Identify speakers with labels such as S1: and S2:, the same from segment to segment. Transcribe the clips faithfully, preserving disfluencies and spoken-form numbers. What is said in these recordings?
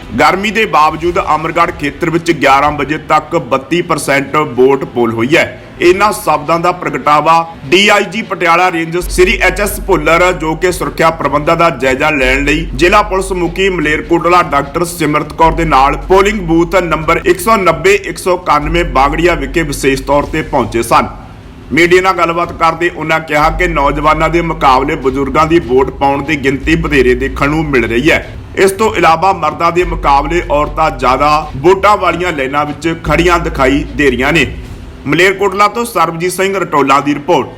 S1: गर्मी के बावजूद अमरगढ़ खेत्र में ग्यारह बजे तक बत्ती परसेंट वोट पोल हुई है। इन्हां शब्दां दा प्रगटावा D I G Patiala range Shri H S Bhullar जो कि सुरक्षा प्रबंधां दा जायजा लैण लई जिला पुलिस मुखी मलेरकोटला डॉक्टर सिमरत कौर दे नाल पोलिंग बूथ नंबर एक सौ नब्बे एक सौ इक्यानवे बागड़िया विखे विशेष तौर पर पहुंचे सन। मीडिया नाल गलबात करदे उन्हां कहा कि नौजवानों के मुकाबले बजुर्गों की वोट पाउण की गिनती वधेरे देखण नूं मिल रही है। इस तो इलावा मर्दां के मुकाबले औरतां ज़्यादा वोटां वालियां लाइनां विच खड़ियां दिखाई दे रही ने। मलेरकोटला तो सरबजीत सिंह रटोला की रिपोर्ट।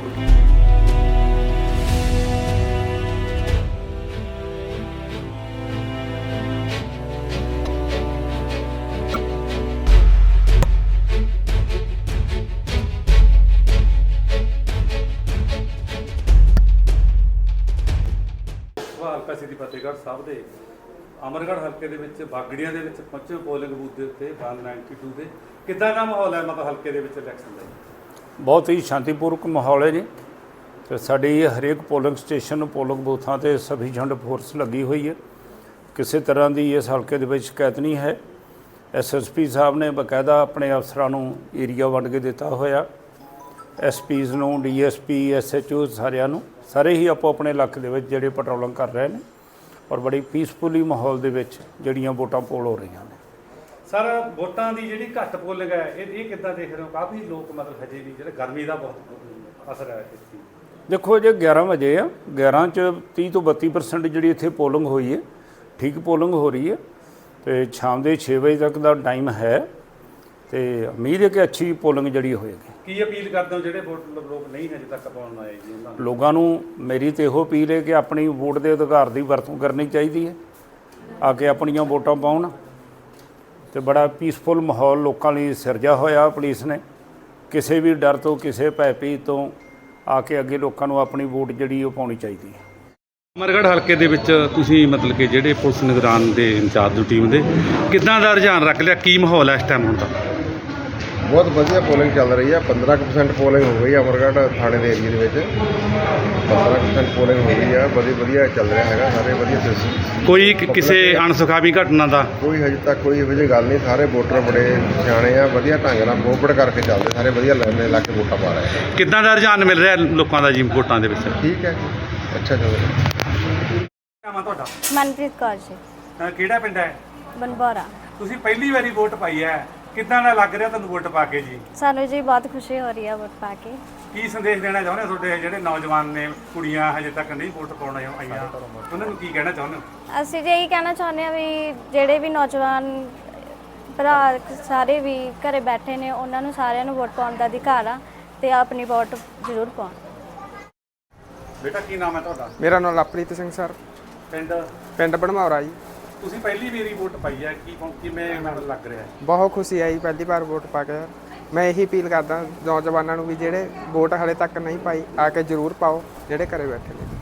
S2: ਹਲਕਾ ਸਿਟੀ ਫਤਿਹਗੜ੍ਹ ਸਾਹਿਬ ਦੇ ਅਮਰਗੜ੍ਹ ਹਲਕੇ ਦੇ ਵਿੱਚ ਬਾਗੜੀਆਂ ਦੇ ਵਿੱਚ ਪਹੁੰਚੇ ਪੋਲਿੰਗ ਬੂਥ ਦੇ ਉੱਤੇ ਇੱਕ ਸੌ ਬਾਨਵੇਂ ਦੇ ਕਿੱਦਾਂ ਦਾ ਮਾਹੌਲ ਹੈ ਮਤਲਬ ਹਲਕੇ ਦੇ ਵਿੱਚ ਇਲੈਕਸ਼ਨ ਦਾ?
S3: ਬਹੁਤ ਹੀ ਸ਼ਾਂਤੀਪੂਰਵਕ ਮਾਹੌਲ ਹੈ ਜੀ ਤੇ ਸਾਡੀ ਹਰੇਕ ਪੋਲਿੰਗ ਸਟੇਸ਼ਨ ਪੋਲਿੰਗ ਬੂਥਾਂ ਤੇ ਸਫੀਸ਼ੀਐਂਟ ਫੋਰਸ ਲੱਗੀ ਹੋਈ ਹੈ। ਕਿਸੇ ਤਰ੍ਹਾਂ ਦੀ ਇਸ ਹਲਕੇ ਦੇ ਵਿੱਚ ਸ਼ਿਕਾਇਤ ਨਹੀਂ ਹੈ। ਐਸ ਐਸ ਪੀ ਸਾਹਿਬ ਨੇ ਬਕਾਇਦਾ ਆਪਣੇ ਅਫਸਰਾਂ ਨੂੰ ਏਰੀਆ ਵੰਡ ਕੇ ਦਿੱਤਾ ਹੋਇਆ। ਐਸ ਪੀਜ਼ ਨੂੰ D S P S H O ਸਾਰਿਆਂ ਨੂੰ ਸਾਰੇ ਹੀ ਆਪੋ ਆਪਣੇ ਇਲਾਕੇ ਦੇ ਵਿੱਚ ਜਿਹੜੇ ਪੈਟਰੋਲਿੰਗ ਕਰ ਰਹੇ ਨੇ ਔਰ ਬੜੀ ਪੀਸਫੁਲੀ ਮਾਹੌਲ ਦੇ ਵਿੱਚ ਜਿਹੜੀਆਂ ਵੋਟਾਂ ਪੋਲ ਹੋ ਰਹੀਆਂ ਨੇ।
S2: ਸਰ ਵੋਟਾਂ ਦੀ ਜਿਹੜੀ ਘੱਟ ਪੋਲਿੰਗ ਹੈ ਇਹ ਇਹ ਕਿੱਦਾਂ ਦੇਖ ਰਹੇ ਹੋ? ਕਾਫੀ ਲੋਕ ਮਤਲਬ ਹਜੇ ਵੀ ਜਿਹੜੇ ਗਰਮੀ ਦਾ ਬਹੁਤ ਅਸਰ ਹੈ ਇਸ ਚੀਜ਼।
S3: ਦੇਖੋ ਜੇ ਗਿਆਰਾਂ ਵਜੇ ਆ ਗਿਆਰਾਂ 'ਚ ਤੀਹ ਤੋਂ ਬੱਤੀ ਪਰਸੈਂਟ ਜਿਹੜੀ ਇੱਥੇ ਪੋਲਿੰਗ ਹੋਈ ਹੈ ਠੀਕ ਪੋਲਿੰਗ ਹੋ ਰਹੀ ਹੈ ਅਤੇ ਸ਼ਾਮ ਦੇ ਛੇ ਵਜੇ ਤੱਕ ਦਾ ਟਾਈਮ ਹੈ ਅਤੇ ਉਮੀਦ ਹੈ ਕਿ ਅੱਛੀ ਪੋਲਿੰਗ ਜਿਹੜੀ ਹੋਏਗੀ।
S2: ਕੀ ਅਪੀਲ ਕਰਦੇ ਹੋ ਜਿਹੜੇ ਵੋਟ ਲੋਕ ਨਹੀਂ ਹਜੇ ਤੱਕ ਪਾਉਣ ਆਏ ਜੀ ਉਹਨਾਂ ਨੂੰ?
S3: ਲੋਕਾਂ ਨੂੰ ਮੇਰੀ ਤਾਂ ਇਹੋ ਅਪੀਲ ਹੈ ਕਿ ਆਪਣੀ ਵੋਟ ਦੇ ਅਧਿਕਾਰ ਦੀ ਵਰਤੋਂ ਕਰਨੀ ਚਾਹੀਦੀ ਹੈ, ਆ ਕੇ ਆਪਣੀਆਂ ਵੋਟਾਂ ਪਾਉਣ ਅਤੇ ਬੜਾ ਪੀਸਫੁਲ ਮਾਹੌਲ ਲੋਕਾਂ ਲਈ ਸਿਰਜਿਆ ਹੋਇਆ ਪੁਲਿਸ ਨੇ। ਕਿਸੇ ਵੀ ਡਰ ਤੋਂ ਕਿਸੇ ਭੈ ਭੀਤ ਤੋਂ ਆ ਕੇ ਅੱਗੇ ਲੋਕਾਂ ਨੂੰ ਆਪਣੀ ਵੋਟ ਜਿਹੜੀ ਉਹ ਪਾਉਣੀ ਚਾਹੀਦੀ ਹੈ।
S2: ਅਮਰਗੜ੍ਹ ਹਲਕੇ ਦੇ ਵਿੱਚ ਤੁਸੀਂ ਮਤਲਬ ਕਿ ਜਿਹੜੇ ਪੁਲਿਸ ਨਿਗਰਾਨ ਦੇ ਇੰਚਾਰਜ ਦੀ ਟੀਮ ਦੇ ਕਿੱਦਾਂ ਦਾ ਰੁਝਾਨ ਰੱਖ ਲਿਆ? ਕੀ ਮਾਹੌਲ ਹੈ ਇਸ ਟਾਈਮ ਹੁਣ ਦਾ?
S4: ਬਹੁਤ ਵਧੀਆ ਪੋਲਿੰਗ ਚੱਲ ਰਹੀ ਹੈ। ਪੰਦਰਾਂ ਕੁ ਪਰਸੈਂਟ ਪੋਲਿੰਗ ਹੋ ਗਈ ਅਮਰਗੜ੍ਹ ਥਾਣੇ ਦੇ ਏਰੀਏ ਦੇ ਵਿੱਚ ਪੰਦਰਾਂ ਪਰਸੈਂਟ ਪੋਲਿੰਗ ਹੋ ਗਈ ਆ। ਵਧੀਆ ਵਧੀਆ ਚੱਲ ਰਿਹਾ ਹੈਗਾ, ਸਾਰੇ ਵਧੀਆ ਸਿਸਟਮ।
S2: ਕੋਈ ਕਿਸੇ ਅਣਸੁਖਾਵੀ ਘਟਨਾ ਦਾ
S4: ਕੋਈ ਹਜੇ ਤੱਕ ਕੋਈ ਇਹੋ ਜਿਹੀ ਗੱਲ ਨਹੀਂ। ਸਾਰੇ ਵੋਟਰ ਬੜੇ ਸਿਆਣੇ ਆ, ਵਧੀਆ ਢੰਗ ਨਾਲ ਕੋਪਰੇਟ ਕਰਕੇ ਚੱਲਦੇ, ਸਾਰੇ ਵਧੀਆ ਲੈਣੇ ਲਾ ਕੇ ਵੋਟਾਂ ਪਾ ਰਹੇ।
S2: ਕਿੱਦਾਂ ਦਾ ਰੁਝਾਨ ਮਿਲ ਰਿਹਾ ਲੋਕਾਂ ਦਾ ਜੀ ਵੋਟਾਂ ਦੇ ਵਿੱਚ?
S4: ਠੀਕ ਹੈ, ਅੱਛਾ ਚੱਲ ਰਿਹਾ।
S2: ਨਾਮ ਆ ਤੁਹਾਡਾ?
S5: ਮਨਪ੍ਰੀਤ ਕੌਰ ਜੀ।
S2: ਅਹ ਕਿਹੜਾ ਪਿੰਡ ਹੈ?
S5: ਬਨਬੋਰਾ।
S2: ਤੁਸੀਂ ਪਹਿਲੀ ਵਾਰੀ ਵੋਟ ਪਾਈ ਹੈ, ਕਿੱਦਾਂ ਦਾ ਲੱਗ ਰਿਹਾ ਤੁਹਾਨੂੰ ਵੋਟ ਪਾ ਕੇ ਜੀ?
S5: ਸਾਨੂੰ ਜੀ ਬਹੁਤ ਖੁਸ਼ੀ ਹੋ ਰਹੀ ਹੈ ਵੋਟ ਪਾ ਕੇ।
S2: ਕੀ ਸੰਦੇਸ਼ ਦੇਣਾ ਚਾਹੁੰਦੇ ਹੋ ਤੁਹਾਡੇ ਜਿਹੜੇ ਨੌਜਵਾਨ ਨੇ, ਕੁੜੀਆਂ ਹਜੇ ਤੱਕ ਨਹੀਂ ਵੋਟ ਪਾਉਣ ਆਈਆਂ, ਉਹਨਾਂ ਨੂੰ ਕੀ ਕਹਿਣਾ ਚਾਹੁੰਦੇ ਹੋ?
S5: ਅਸੀਂ ਜੀ ਇਹੀ ਕਹਿਣਾ ਚਾਹੁੰਦੇ ਹਾਂ ਵੀ ਜਿਹੜੇ ਵੀ ਨੌਜਵਾਨ ਭਰਾ ਸਾਰੇ ਵੀ ਘਰੇ ਬੈਠੇ ਨੇ ਉਹਨਾਂ ਨੂੰ ਸਾਰਿਆਂ ਨੂੰ ਵੋਟ ਪਾਉਣ ਦਾ ਅਧਿਕਾਰ ਆ ਅਤੇ ਆਪਣੀ ਵੋਟ ਜ਼ਰੂਰ ਪਾਉਣ।
S2: ਬੇਟਾ ਕੀ ਨਾਮ ਹੈ ਤੁਹਾਡਾ?
S6: ਮੇਰਾ ਨਾਮ ਲਵਪ੍ਰੀਤ ਸਿੰਘ ਸਰ,
S2: ਪਿੰਡ
S6: ਪਿੰਡ ਬਣਮੌਰਾ ਜੀ।
S2: ਤੁਸੀਂ ਪਹਿਲੀ ਵਾਰੀ ਵੋਟ ਪਾਈ ਹੈ, ਕੀ ਕਿਵੇਂ ਮਤਲਬ ਲੱਗ ਰਿਹਾ?
S6: ਬਹੁਤ ਖੁਸ਼ੀ ਆਈ ਪਹਿਲੀ ਵਾਰ ਵੋਟ ਪਾ ਕੇ। ਮੈਂ ਇਹੀ ਅਪੀਲ ਕਰਦਾ ਨੌਜਵਾਨਾਂ ਨੂੰ ਵੀ ਜਿਹੜੇ ਵੋਟ ਹਾਲੇ ਤੱਕ ਨਹੀਂ ਪਾਈ ਆ ਕੇ ਜ਼ਰੂਰ ਪਾਓ ਜਿਹੜੇ ਘਰੇ ਬੈਠੇ ਨੇ।